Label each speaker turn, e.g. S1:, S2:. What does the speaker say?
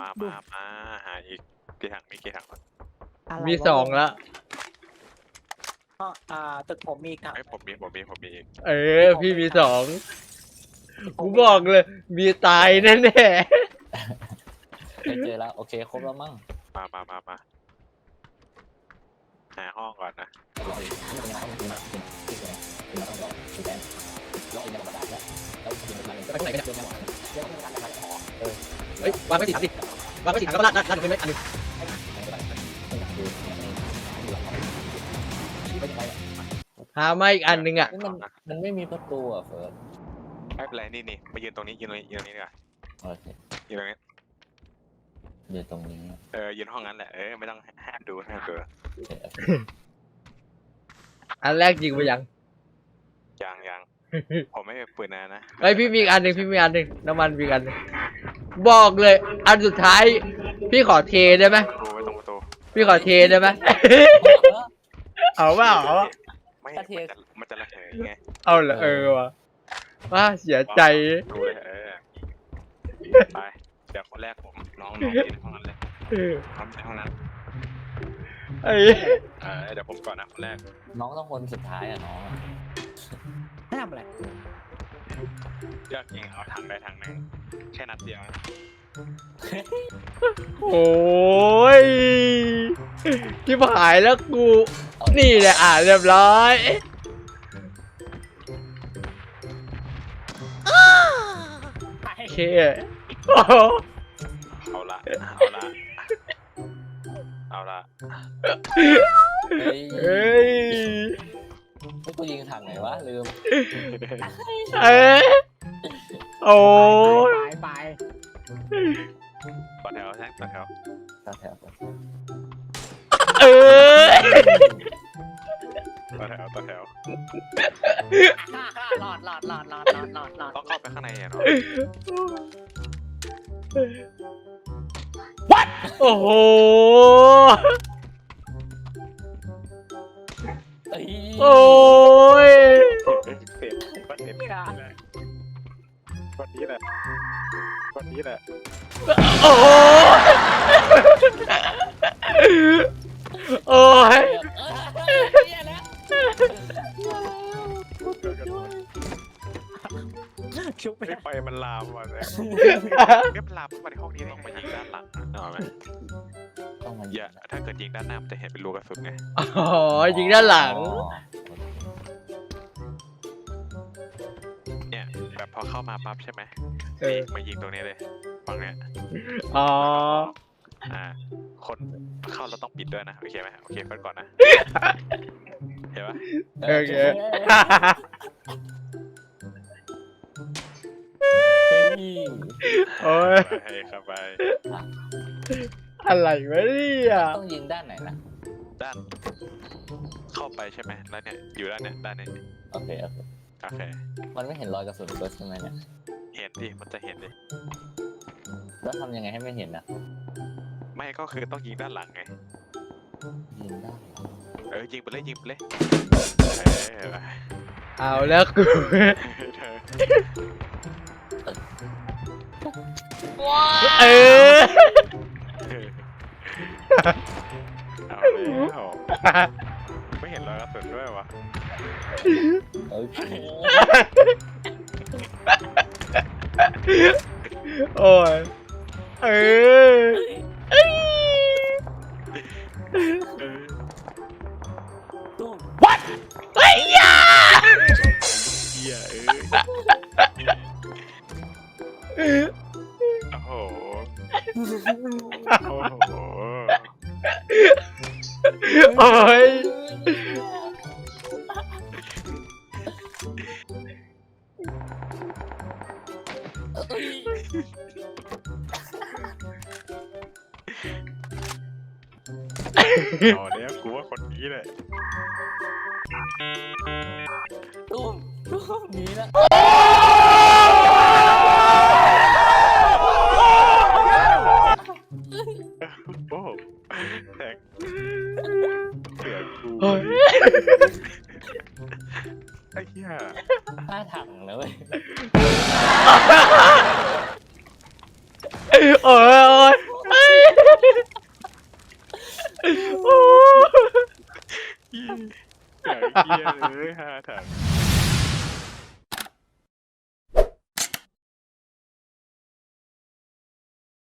S1: มาหาอีกกี่ถังมีกี่ถัง
S2: อะไร
S3: มี
S2: วะ
S3: สองละ
S2: ตึกผมมีถัง
S1: ไอ้ผมมีอีก
S3: พี่มีสองกูบอกเลย มีตายแน่แน่
S4: ไม่เจอแล้วโอเคครบแล้วมั้ง
S1: มาหาห้องก่อนนะ
S3: ไปไหนกันเนี่ยเฮ้ยวางไว้สิดิวางไว้สิถังแล้วก็ลาดลงไปไหมอันนึงหามาอีกอันนึงอ่ะ
S4: มันไม่มีประตูอ่ะเฟิร์ส
S1: ไม่เป็นไรนี่มายืนตรงนี้ดีกว่า
S4: โอเค
S1: ยืนตรงนี้
S4: อยู่ตรงนี้
S1: ยืนห้องนั้นแหละไม่ต้องห้ามดู
S3: อันแรกยิงไปยัง
S1: ยังผมไม่ปืนนะ
S3: เฮ้ยพี่มีอีกอันหนึ่งน้ำมันมีอีกอันหนึ่งบอกเลย อันสุดท้าย พี่ขอเทได้ไหม
S1: ไว้ตรงประตู
S3: พี่ขอเทได้ไหมเอาเปล่า
S1: ไม่มันจะระเหยไง
S3: เอาเหรอว่ะว่าเสียใจ
S1: ดูเลยไปเดี๋ยวคนแรกผมน้องยืนห้องนั้นเลยน้องในห้องนั้น
S3: ไอ้
S1: เดี๋ยวผมก่อนนะคนแรก
S4: น้องต้องคนสุดท้ายอ่ะน้อง
S2: ให้ทำอะไร
S1: อยากยิงเอาถังใดถังหนึ่งแค่นัดเดียว
S3: โอ้ยที่หายแล้วกู นี่แหละเรียบร้อยโอเคโอ้โห
S1: เอาละ
S4: เฮ้ย
S3: เฮ้ย
S4: ไม่กูยิงถังไหนวะลืม
S3: เอ้ยโอ้ย
S2: ไป
S1: ต่อแถวแท็กต่อแถว
S4: ต่อแถว
S3: เอ้ย
S1: ต่อแถว
S2: หลอด
S1: ต้องเข้าไปข้างในเนาะ
S3: โอ้โห
S4: เอ้ย
S3: โอ้ย
S1: เสร็จวันนี้แหละ
S3: โอ้โหโอ้ย
S2: ชุบไป
S1: ไม่ไปมันลามมาเลยมันลามมาในห้องนี้ต้องมายิงด้านหลังเอาไหม
S4: ต้องมา
S1: อย่าถ้าเกิดยิงด้านหน้ามันจะเห็นเป็นรูกระสุนไง
S3: อ๋อยิงด้านหลัง
S1: เนี่ยแบบพอเข้ามาปั๊บใช่ไหมมายิงตรงนี้เลยฝั่งเนี้ย
S3: อ๋อ
S1: คนเข้าเราต้องปิดด้วยนะโอเคไหมโอเคเฟิร์สก่อนนะเห็นปะ
S3: โอเค โอ้ย
S1: ให้เข้าไป
S3: อะไรวะเนี่ย
S4: ต้องยิงด้านไหนนะ
S1: ด้านเข้าไปใช่ไหมแล้วเนี่ยอยู่ด้านเนี่ยด้านนี้
S4: โอเค
S1: โอเค
S4: มันไม่เห็นรอยกระสุนเฟิร์สใช่ไหมเนี่ย
S1: เห็นดิมันจะเห็นดิ
S4: แล้วทำยังไงให้ไม่เห็นอ่ะ
S1: ไม่ก็คือต้องยิงด้านหลังไง
S4: ยิงได้
S1: ยิงไปเลย
S3: เอาแล้วกู เออ
S1: เอาแล้วไม่เห็นรอยกระสุนด้วยวะ
S4: โอเค
S3: โอ้ยเออ What เฮ้ยยา
S1: เหี้ยโอ้โห
S3: โอ้ย
S1: อ๋อเนี่ยกูว่าคนนี้แหละ
S4: ตุ้มหนีละ
S1: โอ้แทงเสือกู
S3: โอ้ย
S1: ไอ้เหี้ย
S4: ห้าถังนะเว้ย
S3: โอ้ยโอ้
S1: เหี้ยเหี้ยเลย5 ถัง